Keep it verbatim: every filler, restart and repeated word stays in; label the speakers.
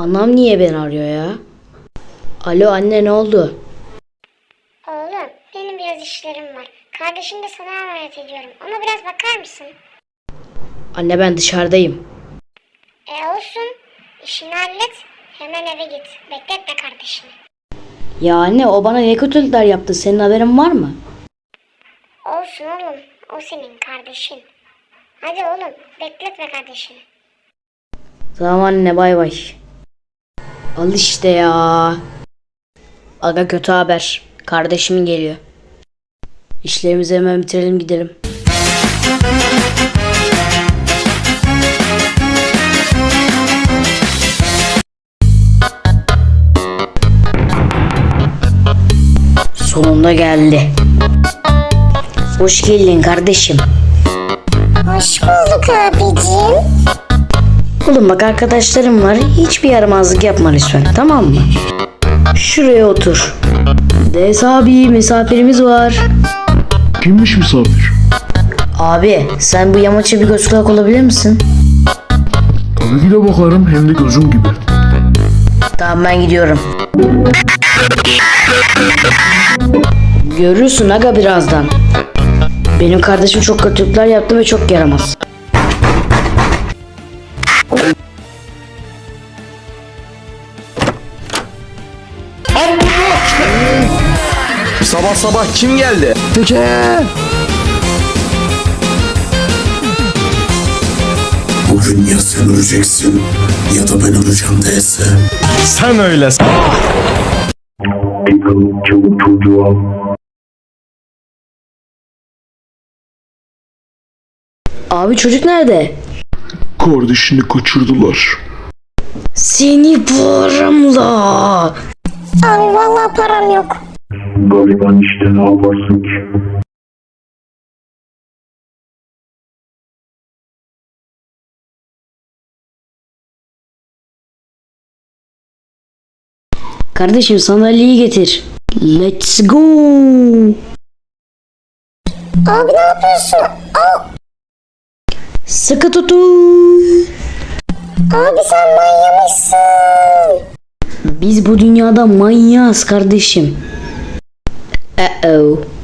Speaker 1: Anam niye beni arıyor ya? Alo anne, ne oldu?
Speaker 2: Oğlum, benim biraz işlerim var. Kardeşim de sana emanet ediyorum. Ona biraz bakar mısın?
Speaker 1: Anne ben dışarıdayım.
Speaker 2: E olsun. İşini hallet. Hemen eve git. Bekletme kardeşini.
Speaker 1: Ya anne, o bana ne kötülükler yaptı, senin haberin var mı?
Speaker 2: Olsun oğlum. O senin kardeşin. Hadi oğlum, bekletme kardeşini.
Speaker 1: Tamam anne, bay bay. Al işte ya. Aga, kötü haber. Kardeşim geliyor. İşlerimizi hemen bitirelim, gidelim. Sonunda geldi. Hoş geldin kardeşim.
Speaker 2: Hoş bulduk abicim.
Speaker 1: Oğlum bak, arkadaşlarım var. Hiçbir yaramazlık yapma lütfen, tamam mı? Şuraya otur. Des abi, misafirimiz var.
Speaker 3: Kimmiş misafir?
Speaker 1: Abi sen bu yamaça bir göz kulak olabilir misin?
Speaker 3: Tabii ki de bakarım, hem de gözüm gibi.
Speaker 1: Tamam, ben gidiyorum. Görürsün aga birazdan. Benim kardeşim çok kötülükler yaptı ve çok yaramaz.
Speaker 4: Sabah sabah kim geldi?
Speaker 3: Teke!
Speaker 5: Bugün ya sen öleceksin ya da ben öleceğim değilse.
Speaker 4: Sen öyle.
Speaker 3: Bakalım, çabuk çocuğu al.
Speaker 1: Abi çocuk nerede?
Speaker 3: Kardeşini kaçırdılar.
Speaker 1: Seni paramla.
Speaker 2: Abi vallahi param yok.
Speaker 3: Gariban işte, ne yaparsın ki?
Speaker 1: Kardeşim sandalyeyi getir. Let's go.
Speaker 2: Abi ne yapıyorsun? Aa,
Speaker 1: Sıkı tutun.
Speaker 2: abi sen manyamışsın.
Speaker 1: Biz bu dünyada manyağız kardeşim. Uh oh.